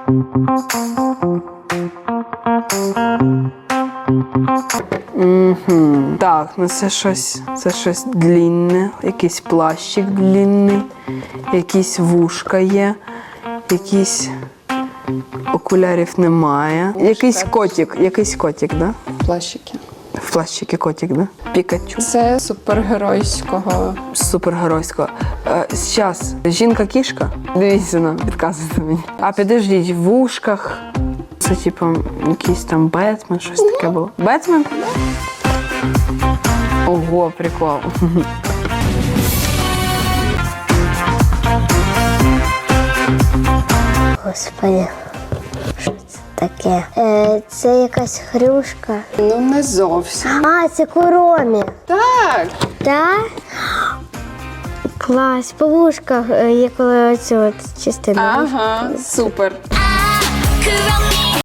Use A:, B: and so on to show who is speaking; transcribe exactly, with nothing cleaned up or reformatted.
A: Угу. Так, ну це щось, це щось длінне, якийсь плащик длінний, якісь вушка є, якісь окулярів немає. Якийсь котик, якийсь котик, да?
B: Плащики.
A: В плащики котик, да? Пікачу.
B: Це супергеройського.
A: Супергеройського. Е, Зараз, жінка-кішка? Дивіться, ну, підказуйте мені. А підождіть, в вушках. Це типу якийсь там Бетмен, щось таке було. Бетмен? Ого, прикол.
C: Господи, що це таке? Е, це якась хрюшка.
B: Ну, не зовсім.
C: А, це Куромі.
B: Так.
C: Так? Клас, по вушках е, є коли оцю от частину.
B: Ага, супер.
D: Could